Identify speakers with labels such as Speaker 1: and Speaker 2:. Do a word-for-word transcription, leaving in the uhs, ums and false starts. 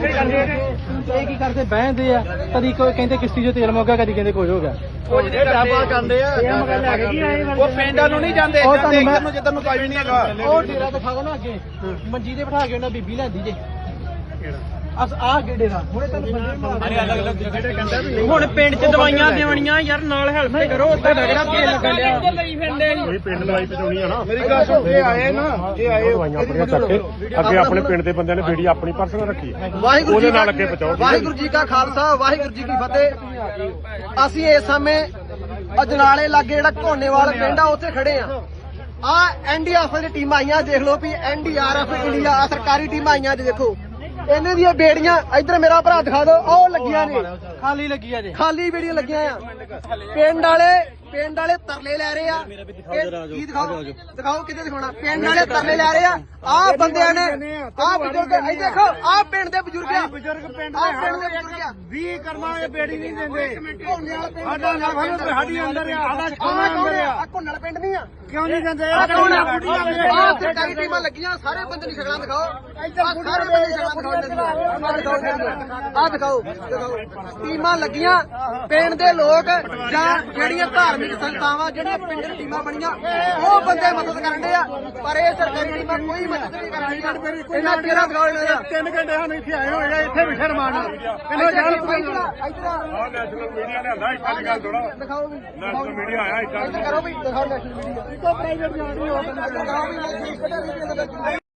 Speaker 1: ਇਹ ਕੀ ਕਰਦੇ ਬਹਿੰਦੇ ਆ, ਕਦੀ ਕੋਈ ਕਹਿੰਦੇ ਕਿਸ਼ਤੀ ਚੋਂ ਤੇਲ ਮੁੱਕ ਗਿਆ, ਕਦੀ ਕਹਿੰਦੇ ਕੁਝ ਹੋ ਗਿਆ।
Speaker 2: ਉਹ ਜਿਹੜੇ ਡਾਬਾ ਕਰਦੇ ਆ ਉਹ ਪਿੰਡਾਂ ਨੂੰ ਨਹੀਂ ਜਾਂਦੇ, ਜਾਂਦੇ ਇੱਧਰ ਨੂੰ ਜਿੱਧਰ ਨੂੰ ਕੋਈ ਵੀ ਨਹੀਂ ਹੈਗਾ।
Speaker 1: ਉਹ ਡੇਰਾ ਦਿਖਾਓ ਨਾ ਅੱਗੇ, ਮੰਜੀ ਤੇ ਬਿਠਾ ਕੇ ਉਹਨਾਂ ਬੀਬੀ ਲੈਂਦੀ ਜੇ ਅਸ ਆ ਗੇੜੇ ਦਾ ਹੁਣੇ ਤੈਨੂੰ
Speaker 3: ਹੁਣ ਪਿੰਡ ਚ ਦਵਾਈਆਂ ਦੇਵਣੀਆਂ ਯਾਰ, ਨਾਲ ਹੈਲਪ ਕਰੋ। ਉੱਥੇ ਲੱਗਦਾ ਤੇਲ ਲੱਗਣ ਡਿਆ
Speaker 4: ਕੋਈ ਪਿੰਡ ਦਵਾਈ ਪਹੁੰਚਾਉਣੀ ਆ ਨਾ।
Speaker 2: ਮੇਰੀ ਗੱਲ ਸੁਣ, ਇਹ ਆਏ ਨਾ, ਇਹ ਆਏ
Speaker 4: ਦਵਾਈਆਂ ਆਪਣੀਆਂ ਚੱਕੇ ਅੱਗੇ ਆਪਣੇ ਪਿੰਡ ਦੇ ਬੰਦਿਆਂ ਨੇ ਬੀੜੀ ਆਪਣੀ ਪਰਸਨਲ ਰੱਖੀ,
Speaker 2: ਵਾਹਿਗੁਰੂ
Speaker 4: ਉਹਦੇ
Speaker 2: ਜੀ
Speaker 4: ਨਾਲ ਅੱਗੇ ਪਹੁੰਚਾਓ।
Speaker 2: ਵਾਹਿਗੁਰੂ ਜੀ ਕਾ ਖਾਲਸਾ, ਵਾਹਿਗੁਰੂ ਜੀ ਕੀ ਫਤਿਹ। ਅਸੀਂ ਇਸ ਸਮੇਂ ਅਜਨਾਲੇ ਲਾਗੇ ਜਿਹੜਾ ਘੋਨੇਵਾਲ ਪਿੰਡ ਆ ਉੱਥੇ ਖੜੇ ਆ। ਆ ਐਨਡੀਆਰਐਫ ਦੀ ਟੀਮਾਂ ਆਈਆਂ, ਦੇਖ ਲਓ ਵੀ ਐਨਡੀਆਰਐਫ ਇੰਡੀਆ ਆ ਸਰਕਾਰੀ ਟੀਮਾਂ ਆਈਆਂ। ਦੇਖੋ ਇਹਨਾਂ ਦੀਆਂ ਬੇੜੀਆਂ, ਇੱਧਰ ਮੇਰਾ ਭਰਾ ਦਿਖਾ ਦਿਓ, ਉਹ ਲੱਗੀਆਂ ਨੇ,
Speaker 1: ਖਾਲੀ ਲੱਗੀ ਆ ਜੇ,
Speaker 2: ਖਾਲੀ ਬੇੜੀਆਂ ਲੱਗੀਆਂ ਆ। ਪਿੰਡ ਵਾਲੇ ਪਿੰਡ ਵਾਲੇ ਤਰਲੇ ਲੈ ਰਹੇ ਆ। ਕੀ ਦਿਖਾਓ, ਦਿਖਾਓ ਕਿੱਥੇ ਦਿਖਾਉਣਾ। ਪਿੰਡ ਵਾਲੇ ਤਰਲੇ ਲੈ ਰਹੇ ਆ। ਆਹ ਬੰਦਿਆਂ ਨੇ, ਆਹ ਬਜ਼ੁਰਗ, ਇਹ ਦੇਖੋ ਆਹ ਪਿੰਡ ਦੇ ਬਜ਼ੁਰਗ ਆ, ਬਜ਼ੁਰਗ ਪਿੰਡ ਆਹ ਪਿੰਡ ਦੇ ਬਜ਼ੁਰਗ ਆ।
Speaker 4: ਵੀਹ ਕਰਮਾ ਇਹ ਬੇੜੀ ਨਹੀਂ ਦਿੰਦੇ।
Speaker 2: ਸਾਡਾ
Speaker 4: ਨਾ ਸਾਡੀ ਅੰਦਰ ਆ, ਸਾਡਾ ਛੋਣਾ ਅੰਦਰ ਆ।
Speaker 2: ਆ ਘੁੰਨਲ ਪਿੰਡ ਨਹੀਂ ਆ,
Speaker 4: ਕਿਉਂ ਨਹੀਂ ਦਿੰਦੇ?
Speaker 2: ਆਹ ਸਰਕਾਰੀ ਟੀਮਾਂ ਲੱਗੀਆਂ, ਸਾਰੇ ਬੰਦੇ ਨਹੀਂ ਸ਼ਕਲਾਂ ਦਿਖਾਓ। ਆਹ ਸਾਰੇ ਬੰਦੇ ਸ਼ਕਲਾਂ ਦਿਖਾਓ। ਆਹ ਦਿਖਾਓ, ਦਿਖਾਓ ਟੀਮਾਂ ਲੱਗੀਆਂ। ਪਿੰਡ ਦੇ ਲੋਕ ਜਾਂ ਜਿਹੜੀਆਂ ਧਾਰਮਿਕ ਸੰਸਥਾਵਾਂ ਜਿਹੜੀਆਂ ਪਿੰਡ ਦੀ ਟੀਮਾਂ ਬਣੀਆਂ, ਉਹ ਬੰਦੇ ਮਦਦ ਕਰਨ ਦੇ ਆ, ਪਰ ਇਹ ਸਰਕਾਰੀ ਟੀਮਾਂ ਕੋਈ ਮਦਦ ਨਹੀਂ ਕਰ ਰਹੀਆਂ। ਇਹਨਾਂ ਕਿਹੜਾ ਦਿਖਾਓ ਇਹਨਾਂ ਦਾ।
Speaker 4: ਤਿੰਨ ਘੰਟੇ ਸਾਨੂੰ ਇੱਥੇ ਆਏ ਹੋਏ ਆ, ਇੱਥੇ ਬਿਠੇ ਰਮਾਨ ਕਿੰਨਾ ਜਾਣ
Speaker 2: ਇੱਧਰ
Speaker 4: ਆਹ ਨੈਸ਼ਨਲ ਮੀਡੀਆ ਲਿਆਂਦਾ, ਇੱਦਾਂ ਦੀ ਗੱਲ ਥੋੜਾ।
Speaker 2: ਦਿਖਾਓ ਵੀ,
Speaker 4: ਨੈਸ਼ਨਲ ਮੀਡੀਆ ਆਇਆ ਇੱਦਾਂ
Speaker 2: ਇੱਧਰ ਕਰੋ ਵੀ, ਦਿਖਾਓ ਨੈਸ਼ਨਲ ਮੀਡੀਆ।
Speaker 4: ਪ੍ਰਾਈਵੇਟ ਜਾਣੀ ਹੋ
Speaker 2: ਦਿਖਾਓ ਵੀ